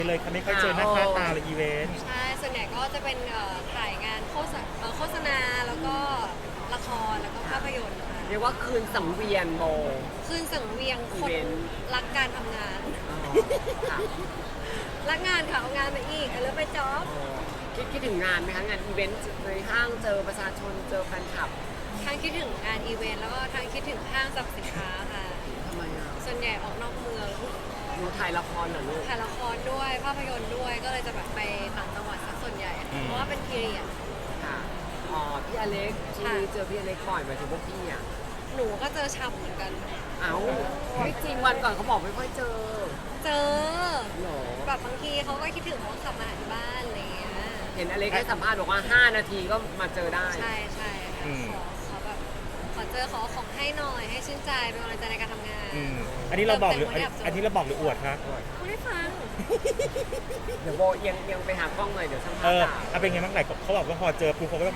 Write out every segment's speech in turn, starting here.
เลยค่ะไม่ค่อยเจอหน้าค่าตาเลยอีเวนต์ใช่ส่วนใหญ่ก็จะเป็นถ่ายงานโฆษณาแล้วก็ละครแล้วก็ภาพยนตร์ค่ะเรียกว่าคืนสังเวียนโบคืนสังเวียงคนอีเวนต์รักการทำงานค่ะรักงานค่ะเอางานมาอีกแล้วไปจ็อบคิดถึงงานไหมคะงานอีเวนต์ในห้างเจอประชาชนเจอแฟนคลับทั้งคิดถึงงานอีเวนต์แล้วก็ทั้งคิดถึงห้างสรรพสินค้าค่ะทำไมอ่ะส่วนใหญ่ออกนอกเมืองหนูถ่ายละครเหรอลูกถ่ายละครด้วยภาพยนตร์ด้วยก็เลยจะแบบไปต่างจังหวัดสักส่วนใหญ่ค่ะเพราะว่าเป็นพีเรียดค่ะอ๋อพี่อเล็กช่วงนี้เจอพี่อเล็กบ่อยหมายถึงพวกพี่อ่ะหนูก็เจอช้ำเหมือนกันเอ้าไม่จริงวันก่อนเขาบอกไม่ค่อยเจอเจอหรอแบบบางทีเขาก็คิดถึงเขาขับมาหาที่บ้านอะไรอย่างเงี้ยเห็นอเล็กให้สัมภาษณ์บอกว่า 5 นาทีก็มาเจอได้ใช่ใช่ค่ะขอแบบขอเจอขอของให้หน่อยให้ชื่นใจเป็นกำลังใจในการทำงานอันนี้เราบอกหรืออันนี้เราบอกหรืออวดคะคุณได้ฟังเดี๋ยวโบเอียงไปหากล้องหน่อยเดี๋ยวช่างภาพด่าเอาเป็นไงบ้างไหนเขาบอกว่าพอเจอปุ๊บเขาก็ต้อง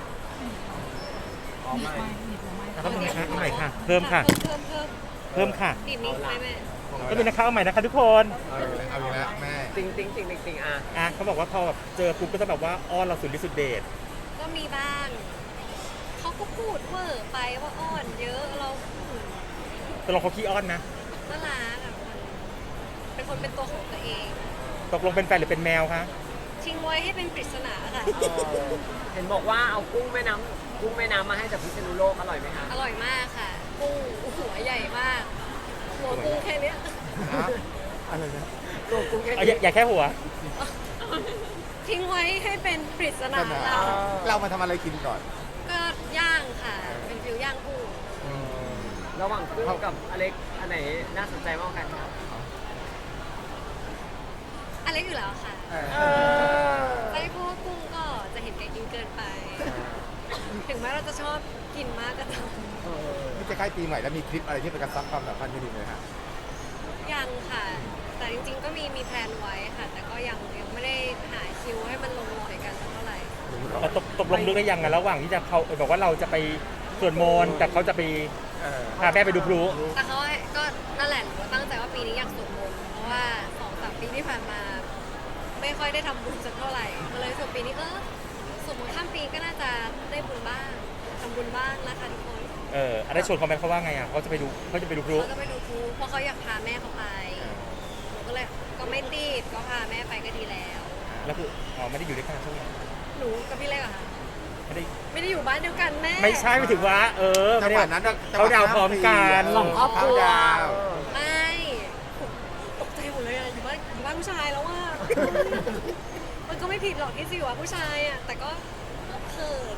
อ๋อไม่ต้องมีนะคะเอาใหม่ค่ะเพิ่มค่ะ เพิ่มค่ะบีบนิ้วไหมแม่ก็มีนะคะเอาใหม่นะคะทุกคนเอาอีกแล้วแม่ติงอ่ะเขาบอกว่าพอแบบเจอปุ๊บก็ต้องแบบว่าอ้อนเราสุดฤทธิ์สุดเดชก็มีบ้างเขาก็พูดเวอร์ไปว่าอ้อนเยอะเราแต่เราเขาขี้อ้อนนะน่ารักอะเป็นคนเป็นตัวของตัวเองตกลงเป็นแฟนหรือเป็นแมวคะทิ้งไว้ให้เป็นปริศนาค่ะเห็นบอกว่าเอากุ้งแม่น้ำมาให้จากพิษณุโลกอร่อยไหมคะอร่อยมากค่ะกุ้งหัวใหญ่มากหัวกุ้งแค่เนี้ยอะไรนะตัวกุ้งแค่อย่าแค่หัวทิ้งไว้ให้เป็นปริศนาเรามาทำอะไรกินก่อนก็ย่างค่ะ เป็นฟิวย่างกุ้งระหว่างกุ้งกับอเล็กอันไหนน่าสนใจมากกว่ากันคะอันเล็กอยู่แล้วค่ะไส้พวกกุ้งก็จะเห็นแก่กินเกินไป ถึงแม้เราจะชอบกินมากก็ตามนี่จะใกล้ปีใหม่แล้วมีคลิปอะไรที่เป็นกระซับความสัมพันธ์ที่ดีไหมฮะยังค่ะ แต่จริงๆก็มีแพลนไว้ค่ะ แต่ก็ยังไม่ได้หาคิวให้มันลงรอยกันสักเท่าไหร่ตกลงลึกได้ยังอะระหว่างที่จะเขาบอกว่าเราจะไปสวดมนต์แต่เขาจะไปพาแม่ไปดูพลุแต่เขาก็นั่นแหละหนูก็ตั้งใจว่าปีนี้อยากสวดมนต์เพราะว่า2-3 ปีที่ผ่านมา ไม่ค่อยได้ทำบุญสักเท่าไหร่ก็เลยรู้สึกปีนี้สวดมนต์ข้ามปีก็น่าจะได้บุญบ้างทำบุญบ้างนะคะทุกคนอะไรชวนเขาไหมเขาว่าไงอะเขาจะไปดูพลุเขาจะไปดูพลุเพราะเขาอยากพาแม่เขาไปหนูก็เลยก็ไม่ติดก็พาแม่ไปก็ดีแล้วแล้วคือไม่ได้อยู่ด้วยกันช่วงนี้หนูกับพี่เล็กเหรอคะไม่ได้ไม่ได้อยู่บ้านเดียวกันแม่ไม่ใช่ไม่ถึงว่าไม่จังได้หวะนั้นเขาดาวพร้อมกันสองครอบครัวไม่ตกใจหมดเลยอะอยู่บ้านผู้ชายแล้วว่า มันก็ไม่ผิดหรอกที่จะอยู่กับผู้ชายอะแต่ก็เขิน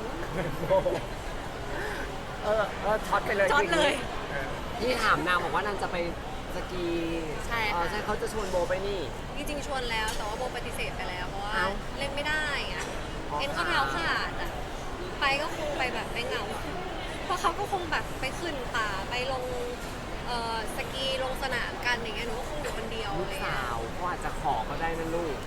ช็อตไปเลยจอดเลยที่ถามนางบอกว่านางจะไปสกีใช่ค่ะใช่เขาจะชวนโบไปนี่จริงๆชวนแล้วแต่ว่าโบปฏิเสธไปแล้วเพราะว่าเอ้าเล่นไม่ได้อะอ๋อเอ็นข้อเท้าขาดอะไปก็คงไปแบบไปเหงาเพราะเขาก็คงแบบไปขึ้นป่าไปลงสกีลงสนามกันอย่างเงี้ยหนูก็คงอยู่คนเดียวลูอะไรกเงี้สายวเขาอาจจะขอก็ได้นะลูก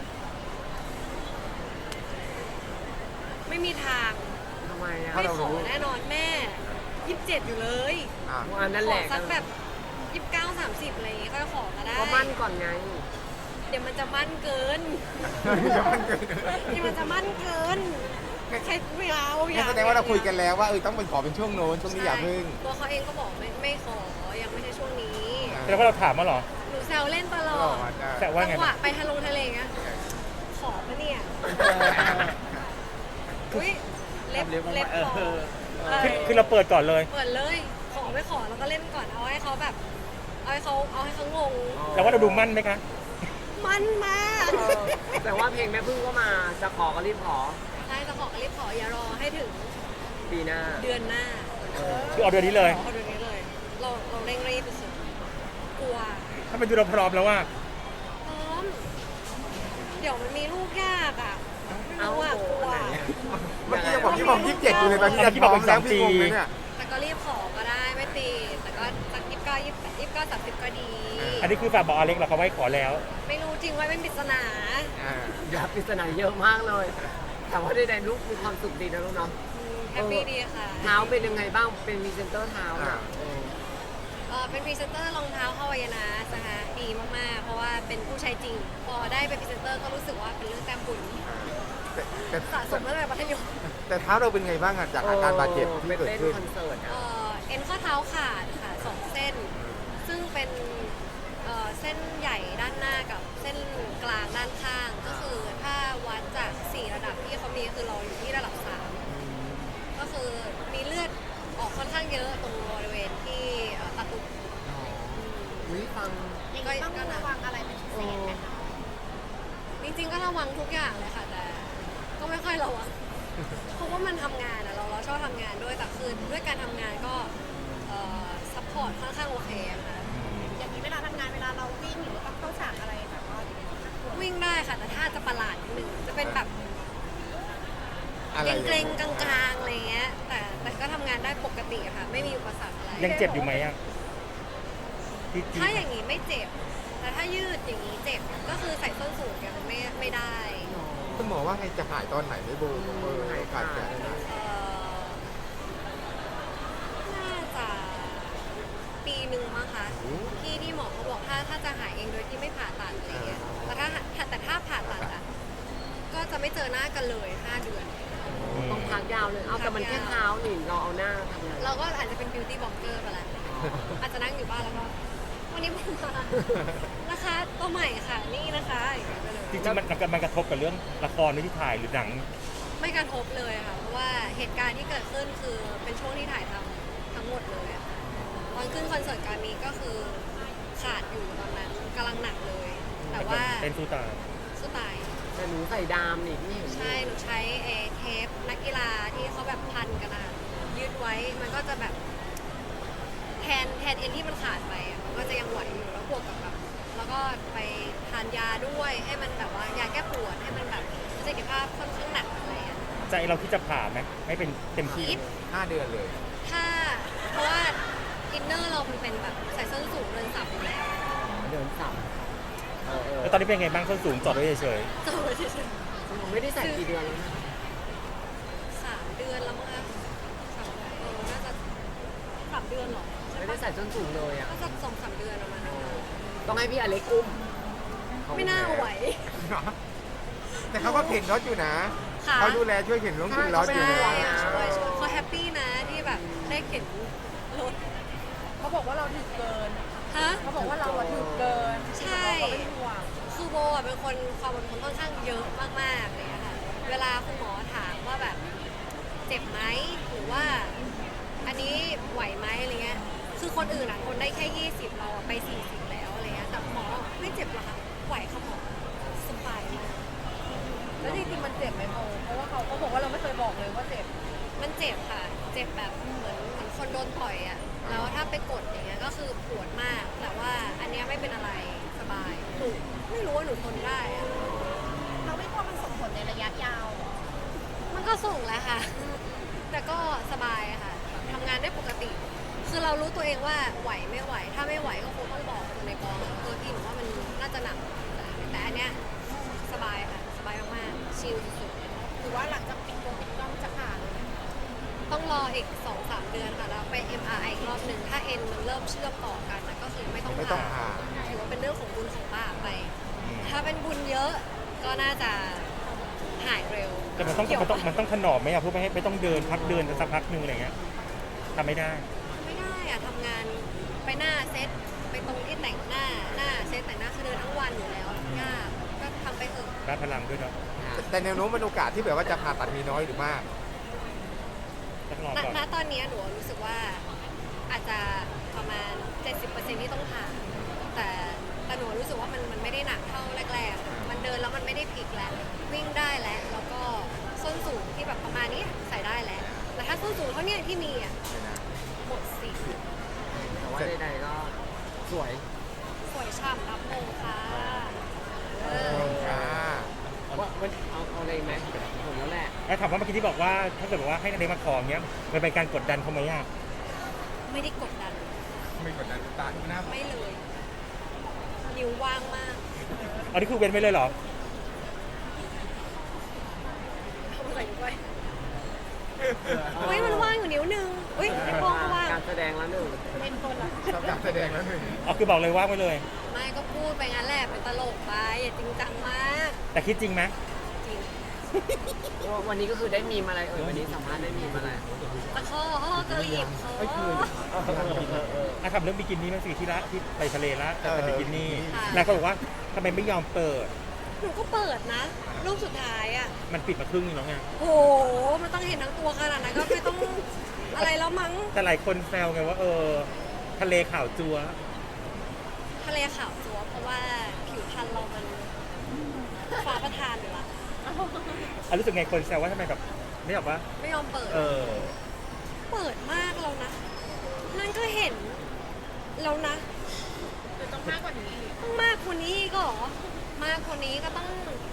ไม่มีทางทำไมอ่ะไม่ขอแน่นอนแม่27อยู่เลยอันนั่นขแหอละสักแบบ29-30อะไรอย่างเงี้ยค่อยขอก็ได้ก็มั่นก่อนไงเดี๋ยวมันจะมั่นเกินเดี๋ยวมันจะมั่นเกินแค่เวลาองั้ยาน กแสดงว่าเราคุยกันแล้วว่าต้องเป็นขอเป็นช่วงโน้นช่วงนี้อย่าพึ่งตัวเขาเองก็บอกไม่ขอยังไม่ใช่ช่วงนี้แล้วว่าเราถามมาหรอหนูแซวเล่นตลอดแต่ว่าจัไงงหวะไปทะเลเงี้ยขอปะเนี่ยอุ้ยเล็บขอคือเราเปิดก่อนเลยเปิดเลย ขอไม่ขอแล้วก็เล่นก่อนเอาให้เขาแบบเอาให้เขางงแล้วว่าเราดูมั่นไหมคะมันมากแต่ว่าเพลงแม่พึ่งก็มาจะขอก็รีบขอใช่จะขอก็รีบขออย่ารอให้ถึงปีหน้าเดือนหน้าคือเอาเดือนนี้เลยขอเดือนนี้เลย เราเร่งรีบสุดๆกลัวถ้าไปดูเราพร้อมแล้วว่าพร้อมเดี๋ยวมันมีลูกยากอ่ะไม่รู้อ่ะกลัวเมื่อกี้ยังบอกพี่บอม27อยู่เลยตอนนี้จะพร้อมแล้วพี่งงเลยเนี่ยแต่ก็รีบขอก็ได้ไม่ติดแต่ก็สัก29-30ก็ดีอันนี้คือฝากบอกอเล็กเราเขาไว้ขอแล้วไม่รู้จริงไว้เป็นปริศนาอย่าปริศนาเยอะมากเลย แต่ว่าใดๆลูกมีความสุขดีนะลูกเนาะแฮปปี้ดีค่ะเท้าเป็นยังไงบ้าง เป็นมีเซนเตอร์เท้าอ่ะเป็นพรีเซนเตอร์รองเท้าฮาวายนาสนะคะดีมากๆ เพราะว่าเป็นผู้ใช้จริง พอได้เป็นพรีเซนเตอร์ก็รู้สึกว่าเป็นเรื่องแต้มบุญแต่สะสมตั้งแต่มัธยมแต่เท้าเราเป็นไงบ้างอะจากอาการบาดเจ็บที่เกิดขึ้นไปเต้นคอนเสิร์ตอะเอ็นข้อเท้าขาดค่ะ2 เส้น ซึ่งเป็นเส้นใหญ่ด้านหน้ากับเส้นกลางด้านข้าง ก็คือถ้าวัดจาก 4 ระดับที่เขามีคือเราอยู่ที่ระดับ 3 ก็คือมีเลือดออกค่อนข้างเยอะตรงบริเวณที่ตาตุ่มอุ้ยฟังก็ต้องระวังอะไรเป็นพิเศษไหมคะจริงๆก็ระวังทุกอย่างเลยค่ะแต่ก็ไม่ค่อยระวัง เพราะว่ามันทำงานอะเราชอบทำงานด้วยแต่คือด้วยการทำงานก็ซัพพอร์ตค่อนข้างโอเคอะค่ะอย่างนี้เวลาทำงานเวลาเราวิ่งหรือว่าต้องเข้าฉากอะไรแบบว่าวิ่งได้ค่ะแต่ถ้าจะประหลาดนิดนึงจะเป็นแบบอะไรเกรงๆกลางๆอะไรเงี้ยแต่ก็ทำงานได้ปกติอะค่ะ ไม่มีอุปสรรคอะไรยังเจ็บอยู่ไหมอ่ะที่ถ้าอย่างนี้ไม่เจ็บ แต่ถ้ายืดอย่างนี้เจ็บก็คือใส่ส้นสูงกันไม่ได้คุณหมอว่าไงจะหายตอนไหนไม่โบหายขาดแขนน่าจะปีหนึ่งมั้งคะที่หมอเขาบอกถ้าจะหายเองโดยที่ไม่ผ่าตัดอะไรเงี้ยแต่ถ้าผ่าตัดอะก็จะไม่เจอหน้ากันเลย 5 เดือนต้องพักยาวเลย เอาแต่มันแค่เท้านี่เราเอาหน้าทำงานเราก็อาจจะเป็นบิวตี้บล็อกเกอร์ไปแล้วอาจจะนั่งอยู่บ้านแล้วก็วันนี้ผมมานะคะตัวใหม่ค่ะนี่นะคะอย่างเงี้ยไปเลยจริงๆมันกระทบกับเรื่องละครที่ถ่ายหรือหนังไม่กระทบเลยค่ะเพราะว่าเหตุการณ์ที่เกิดขึ้นคือเป็นช่วงที่ถ่ายทำทั้งหมดเลยอะค่ะตอนขึ้นคอนเสิร์ตการนี้ก็คือขาดอยู่ตอนนั้นกำลังหนักเลย แต่ว่าเป็นสู้ตายสู้ตายแต่หนูใส่ดามนี่ที่เห็นใช่หนูใช้เทปนักกีฬาที่เขาแบบพันกันอะยืดไว้มันก็จะแบบแทนเอ็นที่มันขาดไปอะมันก็จะยังไหวอยู่แล้วบวกกับแบบแล้วก็ไปทานยาด้วยให้มันแบบว่ายาแก้ปวดให้มันแบบประสิทธิภาพค่อนข้างหนักอะไรอะใจเราที่จะผ่าไหมให้เป็นเต็มที่คิด 5 เดือนเลยถ้าเพราะว่าอินเนอร์เรามันเป็นแบบใส่ส้นสูงเดินสับอยู่แล้วเดินสับแล้วตอนนี้เป็นไงบ้างส้นสูงจอดไว้เฉยตัวเฉยหนูไม่ได้ใส่กี่เดือนแล้วนะๆ3 เดือนแล้วมั้งคะน่าจะ3 เดือนเหรอใช่ไม่ปะได้ใส่ส้นสูงเลยอ่ะก็จะ2-3 เดือนประมาณนั้นต้องให้พี่อเล็กอุ้มไม่น่าไหวแต่เขาก็เข็นรถอยู่นะค่ะเขาดูแลช่วยเข็นรถอยู่รถอยู่ใช่นะช่วยเขาแฮปปี้นะที่แบบได้เข็นรถเขาบอกว่าเราถึกเกินฮะเขาบอกว่าเราอะถึกเกินใช่เขาเป็นห่วงคือโบอ่ะเป็นคนความอดทนค่อนข้างเยอะมากๆเลยอะค่ะ เวลาคุณหมอถามว่าแบบเจ็บไหมหรือว่าอันนี้ไหวไหมอะไรเงี้ย คือคนอื่นอ่ะคนได้แค่ 20 เราอะไป 40 แล้วอะไรเงี้ย แต่หมอไม่เจ็บหรอกค่ะ ไหวค่ะหมอสบายมากแล้วจริงๆมันเจ็บไหมโมเพราะว่าเขาบอกว่าเราไม่เคยบอกเลยว่าเจ็บมันเจ็บค่ะ เจ็บแบบเหมือนคนโดนต่อยอ่ะ แล้วถ้าไปกดอย่างเงี้ยก็คือปวดมาก แต่ว่าอันเนี้ยไม่เป็นอะไรสบายหนูไม่รู้ว่าหนูทนได้อะเราไม่กลัวมันส่งผลในระยะยาวเหรอมันก็ส่งแหล้วค่ะ แต่ก็สบายอะค่ะแบบทำงานได้ปกติ คือเรารู้ตัวเองว่าไหวไม่ไหว ถ้าไม่ไหวก็คงต้องบอกคนในกองอะที่หนูว่ามันน่าจะหนักอะไรอย่างเงี้ยแต่อันเนี้ยสบายค่ะ สบายมากๆ ชิลสุดๆหรือว่าหลังจากปิดกล้องจะผ่าเลยต้องรออีก 2-3 เดือนค่ะ แล้วไป MRI อีกรอบหนึ่งถ้าเอ็นมันเริ่มเชื่อมต่อกันนะก็คือไม่ต้องไม่ต้องผ่าผ่าถือว่าเป็นเรื่องของบุญของบาปไป ถ้าเป็นบุญเยอะก็น่าจะหายเร็วแต่มันต้องเกี่ยวมันต้องถนอมไหมอะเพื่อไม่ต้องเดินพักเดินสักพักหนึ่งอะไรเงี้ยทำไม่ได้ไม่ได้อะทำงานไปหน้าเซตไปตรงที่แต่งหน้าเซตแต่งหน้าคือเดินทั้งวันอยู่แล้วยากก็ทำไปเถอะการพลังด้วยเนาะแต่แนวโน้มมันโอกาสที่แบบว่าจะผ่าตัดมีน้อยหรือมากต้องรอณก่อนณตอนนี้หนูรู้สึกว่าอาจจะประมาณ 70%ที่ต้องผ่าแต่หนูรู้สึกว่ามันไม่ได้หนักเท่าแรกๆ มันเดินแล้วมันไม่ได้พลิกแล้ว วิ่งได้แล้ว แล้วก็ส้นสูงที่แบบประมาณนี้ใส่ได้แล้ว แต่ถ้าส้นสูงเท่าเนี้ยที่มีอ่ะหมดสิทธิ์แต่ว่าใดๆก็สวยสวยฉ่ำรับมงค่ะเอออ่าว่ามันเอาอะไรไหมผมแล้วแหละแล้วถามว่าเมื่อกี้ที่บอกว่าถ้าเกิดว่าให้นักเรียนมาขอเงี้ยมันเป็นการกดดันเขาไหมอะไม่ได้กดดันไม่กดดันตาหน้าไม่เลย นิ้วว่างมากอันนี้คือเว้นไว้เลยเหรอทำอะไรด้วยเฮ้ยมันว่างอยู่นิ้วนึงเอุ้ยพี่โป้งก็ว่างการแสดงแล้วหนึ่งเป็นคนละชอบการแสดงแล้วหนึ่งอ๋อคือบอกเลยว่างไว้เลยไม่ก็พูดไปงั้นแหละเป็นตลกไปอย่าจริงจังมากแต่คิดจริงไหมจริงวันนี้ก็คือได้มีมอะไรวันนี้สัมภาษณ์ได้มีมอะไรตะคอกระหรี่คออ่ะทำเรื่องบิกินี่มันสิที่ละที่ไปทะเลละแต่เป็นบิกินี่ค่ะนายก็บอกว่าทำไมไม่ยอมเปิดหนูก็เปิดนะ รูปสุดท้ายอ่ะมันปิดมาครึ่งนึงแล้วไงโหมันต้องเห็นทั้งตัวขนาดนั้นก็ไม่ต้องอะไรแล้วมั้งแต่หลายคนแซวไงว่าทะเลข่าวจัวทะเลขาวจัวเพราะว่าผิวพรรณเรามันฟ้าประทานอยู่ละอ่ะรู้สึกไงคนแซวว่าทำไมแบบไม่บอกว่าไม่ยอมเปิดเเปิดมากแล้วนะ นั่นก็เห็นแล้วนะจะต้องมากกว่านี้อีกต้องมากกว่านี้ก็หรอ มากกว่านี้ก็ต้อง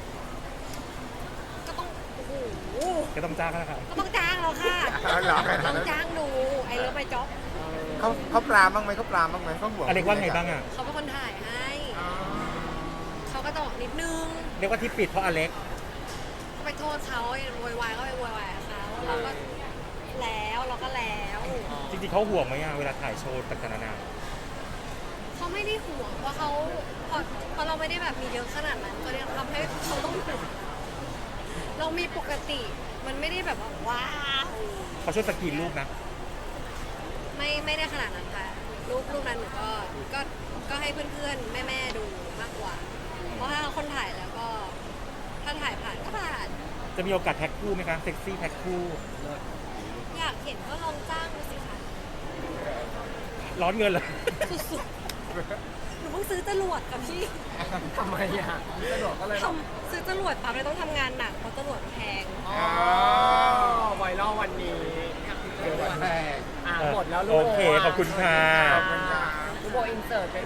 โอ้โหก็ต้องจ้างกันนะครับก็ต้องจ้างเราค่ะหรอต้องจ้างหนูไอ้เลิฟไปจ็อบเขาปรามบ้างไหมเขาปรามบ้างไหมเขาห่วงอเล็กว่าไงบ้างอ่ะเขาเป็นคนถ่ายให้ เขาก็ต้องบอกนิดนึงเรียกว่าที่ปิดเพราะอเล็กไปโทษเขาโวยวายก็ไปโวยวายกับเขาเราก็แล้วเราก็แล้วจริงๆเขาห่วงไหมอ่ะเวลาถ่ายโชว์ต่างๆนานาเขาไม่ได้ห่วงเพราะเขาเพราะเราไม่ได้แบบมีเยอะขนาดนั้นก็เลยทำให้เขาต้องห่วงเรามีปกติมันไม่ได้แบบว่าว้าวเขาช่วยสกรีนรูปนะไม่ได้ขนาดนั้นค่ะรูปนั้นหนูก็ให้เพื่อนๆแม่ๆดูมากกว่า เพราะถ้าคนถ่ายแล้วก็ถ้าถ่ายผ่านก็ผ่านจะมีโอกาสแพ็คคู่ไหมคะเซ็กซี่แพ็คคู่อยากเห็นก็ลองจ้างดูสิคะร้อนเงินเลยสุดๆหนูเพิ่งซื้อจรวดกับพี่ทำไมอ่ะสะดวกก็เลยซื้อจรวดปั๊บเลยต้องทำงานหนักเพราะจรวดมันแพงไวรัลวันนี้เดี๋ยววันแรกหมดแล้วลูกโอเค ขอบคุณค่ะขอบคุณครับลูกโบอินเสิร์ต